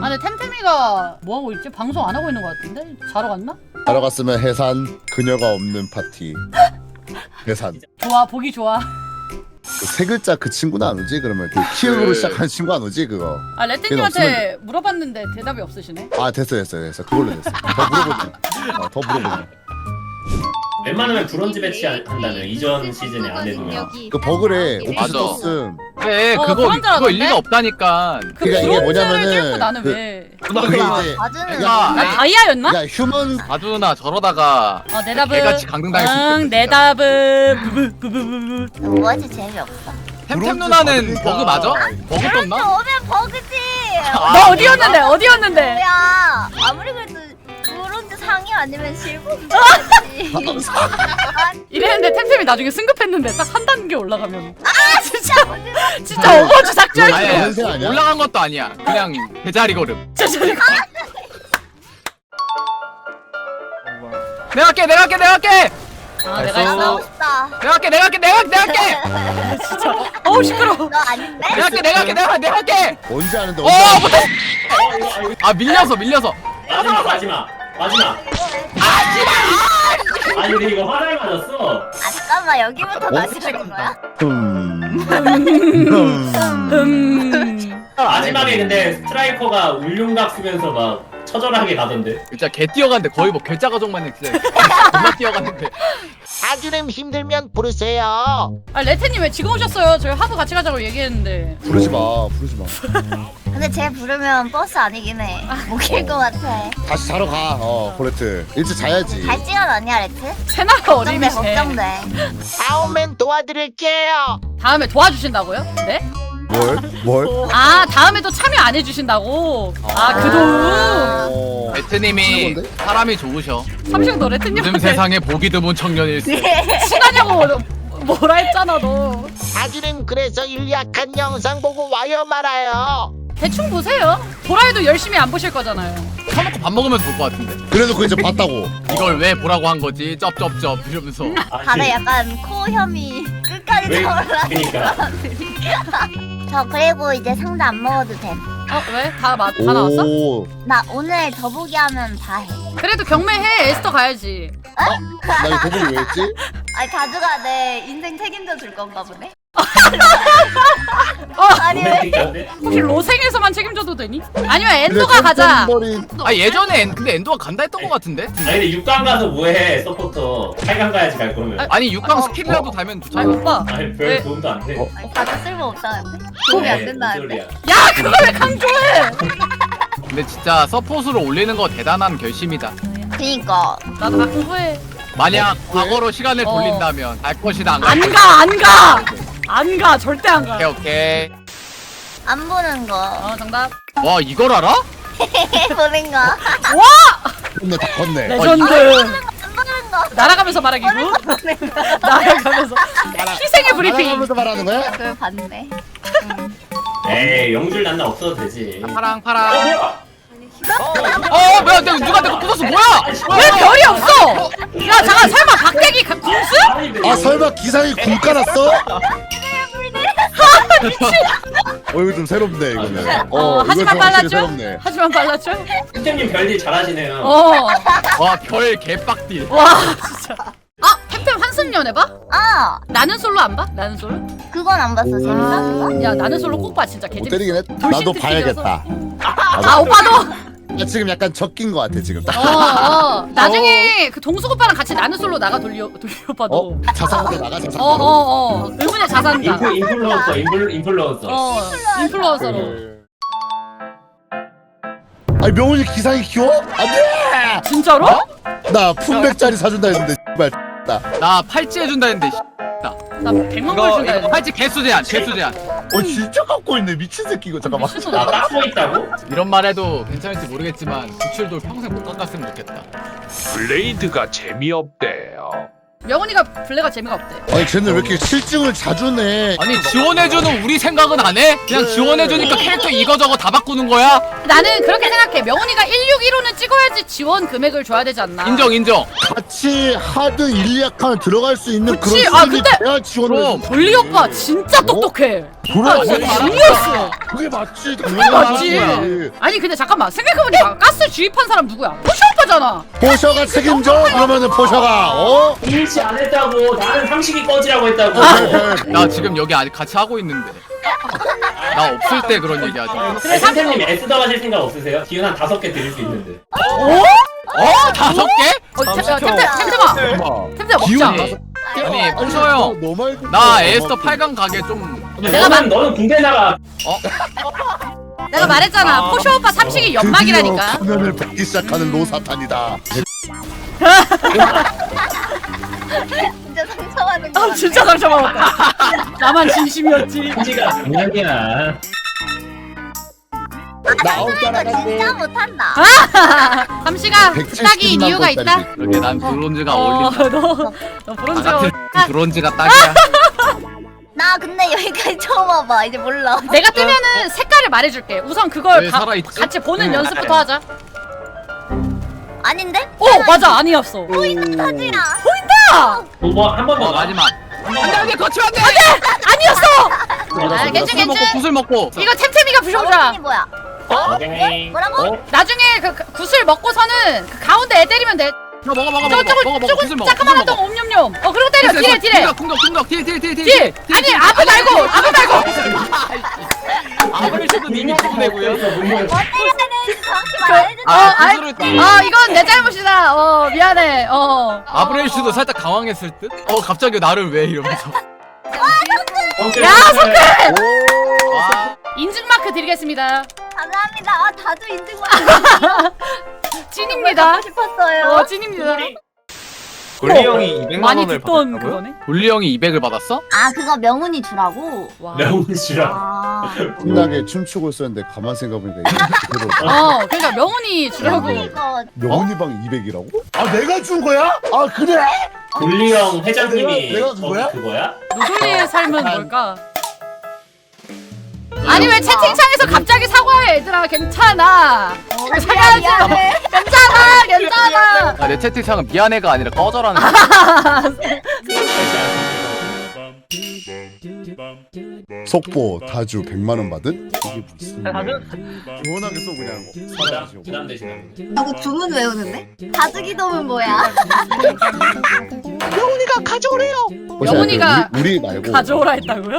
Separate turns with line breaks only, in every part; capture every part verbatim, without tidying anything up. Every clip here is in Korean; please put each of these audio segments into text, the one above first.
아 근데 템템이가 뭐하고 있지? 방송 안 하고 있는 것 같은데? 자러 갔나?
자러 갔으면 해산. 그녀가 없는 파티. 해산.
좋아 보기 좋아.
그 세 글자 그 친구는 안 오지? 그러면 그 키읔으로
그-
시작한 친구 안 오지? 그거.
아 레트님한테 물어봤는데 대답이 없으시네.
아 됐어 됐어 됐어. 그걸로 됐어. 더 물어보지. 어, 더 물어보지.
웬만하면 브론즈 배치 한다면 이전 시즌에 안 해두면
그 버그래. 오피스
맞아.
떴음.
그래
어,
그거
그런 줄
그거
알았는데?
일리가 없다니까.
그
그러니까 이게
브론즈를
뭐냐면은
뚫고 나는
그-
왜?
그게 이제
맞으면
야,
나 다이아였나?
야 휴먼
아두나 저러다가
어 내 답은
개같이 강등당할 수
응,
있겠다,
내
진짜.
답은 부부부부부.
뭐지 재미없어.
템템
브론즈
누나는
받으니까.
버그 맞아? 버그
그렇죠
떴나?
오면 버그지.
아,
너 어디였는데? 어디였는데?
뭐야? 아무리 그래도 브론즈 상위 아니면 실버지.
이랬는데 템템이 나중에 승급했는데 딱 한 단계 올라가면
아 진짜.
진짜 어거지 삭제할
아니,
수
아니, 연세 아니야?
올라간 것도 아니야. 그냥 제자리 걸음.
진짜
내가 할게, 내가 할게, 내가 할게.
아 내가
됐어.
했어?
나고 싶다.
내가 할게, 내가 할게, 내가 할게, 내가 할게.
진짜 어우 시끄러워.
너 아닌데?
내가 할게, 내가 할게, 내가 할게, 내가 할게.
언제 하는데
어,
언제
못해.
어, 이거, 아, 이거
아 밀려서, 밀려서.
마지막 마지막 마지막 아니 우리 이거 화살 맞았어.
아 잠깐만 여기부터 다시 하는 거야?
음.
음.
마지막에 근데 스트라이커가 울릉각 쓰면서 막 처절하게 가던데.
진짜 개 뛰어갔는데 거의 뭐 괴짜 가족만 진짜 존나 뛰어갔는데.
아주름 힘들면 부르세요.
아 레트님 왜 지금 오셨어요? 저희 하부 같이 가자고 얘기했는데.
부르지 마 부르지 마.
근데 쟤 부르면 버스 아니긴 해. 못 길 것 같아.
다시 자러 가. 어 코레트 일찍 자야지.
갈 시간 아니야 레트?
새나라
걱정돼
어린이세.
걱정돼.
다음엔 도와드릴게요.
다음에 도와주신다고요? 네?
뭘? 뭘?
아 다음에도 참여 안 해주신다고? 아 그 도움.
어.
레트님이
건데?
사람이 좋으셔.
삼식 너
요즘
레트님한테
세상에 보기 드문 청년일세.
친하냐고 뭐라 했잖아 너.
아주름 그래서 일약한 영상 보고 와요 말아요.
대충 보세요. 보라에도 열심히 안 보실 거잖아요.
처먹고 밥 먹으면서 볼 것 같은데.
그래서 그 이제 봤다고.
이걸 왜 보라고 한 거지? 쩝쩝쩝 이러면서.
아니,
다들 약간 코 혐이 끝까지
왜?
타올라.
그니까.
저 그리고 이제 상자 안 먹어도 돼.
어 왜? 다, 마, 다 나왔어?
오.
나 오늘 더보기 하면 다 해.
그래도 경매해. 에스터 가야지.
나 이거 도둑이 왜 했지?
아니 가주가 내 인생 책임져 줄 건가 보네.
어,
아니 왜?
로맨틱한데?
혹시 로생에서만 책임져도 되니? 아니면 엔도가 가자.
머리.
아 예전에 엔, 근데 엔도가 간다 했던 것 같은데?
아니 근데 육 강 가서 뭐해 서포터. 팔 강 가야지 갈 거면.
아니 육 강
어,
스킬이라도 달면
아니
좋잖아.
오빠.
아니 별
네.
도움도 안 돼.
어?
아니, 가주 쓸모 없다는데? 도움이 안
에이,
된다는데?
무슨 소리야.
야 그걸 왜 강조해?
근데 진짜 서폿으로 올리는 거 대단한 결심이다.
그니까
나도 가끔 후회.
만약 과거로 시간을
어.
돌린다면 알 것이다 안 갈
안
것이다.
가, 안 가! 안 가, 절대 안 가.
오케이 오케이.
안 보는 거.
어, 정답.
와 이걸 알아?
보는 거.
와!
컸네 다 컸네.
레전드.
안 보는 거.
날아가면서 말하기고. 날아가면서. 희생의 브리핑.
알아가면서 말하는 거야?
그걸 봤네.
에이 영줄 난나 없어도 되지.
파랑
어
파랑.
뭐야?
어 뭐야 내가 누가 내가 부쉈어 뭐야?
왜 별이 없어? 야, 잠깐, 설마 박대기 가- 궁수?
아니, 근데
아
이거-
설마 기상이 굴 깔았어? 어 이거 좀 새롭네 이거는.
어,
어 이거
하지만
좀 확실히
빨랐죠?
새롭네.
하지만 빨랐죠?
템템님 별일 잘하시네요.
어.
와별 개빡딜.
와, 진짜. 아, 템템 환승연 해봐?
아
나는 솔로 안 봐? 나는 솔로?
그건 안 봤어. 재밌었어?
아, 야, 나는 솔로 꼭 봐, 진짜.
못
개재밌어.
때리긴 했.
돌싱
나도
특집이어서.
봐야겠다.
아, 오빠도?
나 지금 약간 적긴 거 같아 지금.
어, 어. 나중에 그 동숙 오빠랑 같이 나는 솔로 나가 돌려, 돌려 오빠도.
어? 자산으로 나가 자산.
어, 어, 어. 의문의 자산가.
인플 인플루언서 인플 인플루언서.
어, 인플루언서로.
아니 명훈이 기상이 키워? 안돼.
진짜로?
나 품백짜리 사준다 했는데 씨발 나.
나 팔찌 해준다 했는데. 씨.
나 백만 걸
이거
준다
이거
했어.
팔찌 개수 제한 개수 제한.
어 진짜 갖고 있네 미친 새끼 이거 잠깐만.
나
미친놈.
따고 있다고?
이런 말 해도 괜찮을지 모르겠지만 구칠돌 평생 못 깎았으면 좋겠다.
블레이드가 재미없대요.
명훈이가 블레가 재미가 없대.
아니 쟤는 왜 이렇게 실증을 자주 내?
아니 지원해주는 우리 생각은 안 해? 그냥 지원해주니까 캐릭터 이거저거 다 바꾸는 거야?
나는 그렇게 생각해. 명훈이가 일육일오는 찍어야지 지원 금액을 줘야 되지 않나.
인정 인정.
같이 하드 일리아칸 들어갈 수 있는
그치?
그런
아,
수준이
근데-
돼야 지원을
그럼.
해주지.
돌리 오빠 진짜 똑똑해.
그래
아, 진짜
맞아.
지니어스.
그게 맞지
그게
당연히
맞지.
맞지.
아니 근데 잠깐만 생각해보니까 가스 주입한 사람 누구야? 포시 오빠잖아.
포셔가 책임져? 그러면은 포셔가 어?
일치 안 했다고. 나는 상식이 꺼지라고 했다고.
나 지금 여기 아직 같이 하고 있는데. 나 없을 때 그런 얘기 하지.
네, 선생님 S 더하실 생각 없으세요? 기운 한 다섯 개 드릴 수 있는데.
어? 다섯 개?
어, 템- 템- 템- 템템아. 템템아 먹자.
기운이
아니 포셔 형.
너 말고
나 에스터 팔 강 가게 좀.
내가
너는 너는 군대 나가.
내가 말했잖아. 포시 오빠 삼식이 연막이라니까.
드디어 가면을 뱉기 시작하는 로사탄이다.
진짜 상처받는 거
아 진짜 상처받았다. 나만 진심이었지.
군지가 장난이야.
나 아홉
이거
따라가고
진짜 못한다.
삼식아
백칠십
딱인
만
이유가 있다.
원짜리.
그러게 난 브론즈가
어,
어울린다.
너, 너
나
브론즈.
같은
아,
브론즈가 딱이야.
나 근데 여기까지 처음 와봐. 이제 몰라.
내가 뜨면은 색깔을 말해줄게. 우선 그걸
왜
봐-
살아있지?
같이 보는
네.
연습부터 하자.
아닌데?
오 맞아 아니었어.
타지라.
아
뭐한번 더.
어 마지막. 안돼 안돼 거치면 안돼.
아니었어. 아 괜찮
구슬 먹고
괜찮.
구슬 먹고.
이거 템템이가 부셔보자.
어른이 뭐야?
오케이.
뭐라고?
나중에 그, 그 구슬 먹고서는 그 가운데 애 때리면 돼.
너 먹어 먹어 먹어
저거 저거
먹어 먹어 구슬
조금
먹어.
자그마한
구슬
똥
먹어.
옴뇸뇸. 어 그리고 때려 딜해 딜해.
공격 공격 공격 딜딜딜딜
딜. 아니 아부 말고 아부 말고.
아무리 쳐도 님이 죽어내고요.
뭐 때려야 되는지 정확히
그,
말해줘.
어,
아,
아이,
구슬을 딱.
어 이건 내 잘못이다. 어 미안해. 어.
아브렐슈도 살짝 당황했을 듯? 어 갑자기 나를 왜 이러면서.
야 석근.
아,
인증 마크 드리겠습니다.
감사합니다. 아, 다들 인증받는
찐입니다.
싶었어요.
어 찐입니다.
골리 형이 이백만
많이
원을
듣던
받았다고요?
그거네.
돌리 형이 이백을 받았어?
아, 그거 명훈이 주라고?
와.
명훈 씨랑.
아.
신나게 춤추고 있었는데 가만 생각해보니까 이게 그대로.
어 그러니까 명훈이 주려고.
이거
명훈이 방 이백이라고? 아 내가 준 거야? 아 그래?
돌리 형 회장님이
내가- 내가
저기
그거야?
그거야?
노돌리의 삶은 뭘까? 아니 왜 채팅창에서 갑자기 사과해 얘들아 괜찮아.
어,
사과하지.
미안해.
괜찮아 괜찮아.
아, 내 채팅창은 미안해가 아니라 꺼져라는 거.
속보 다주 백만 원 받은? 이게 무슨 시원하게 써 그냥
부담
사라지고.
부담 되시나요?
누구 주문 외우는데? 다즈기돔은 뭐야?
영훈이가 가져오래요.
영훈이가
우리, 우리 말고
가져오라 했다고요?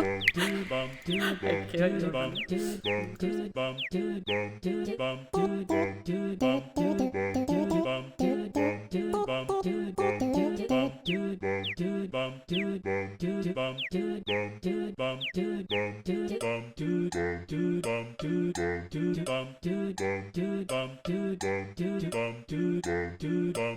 Bum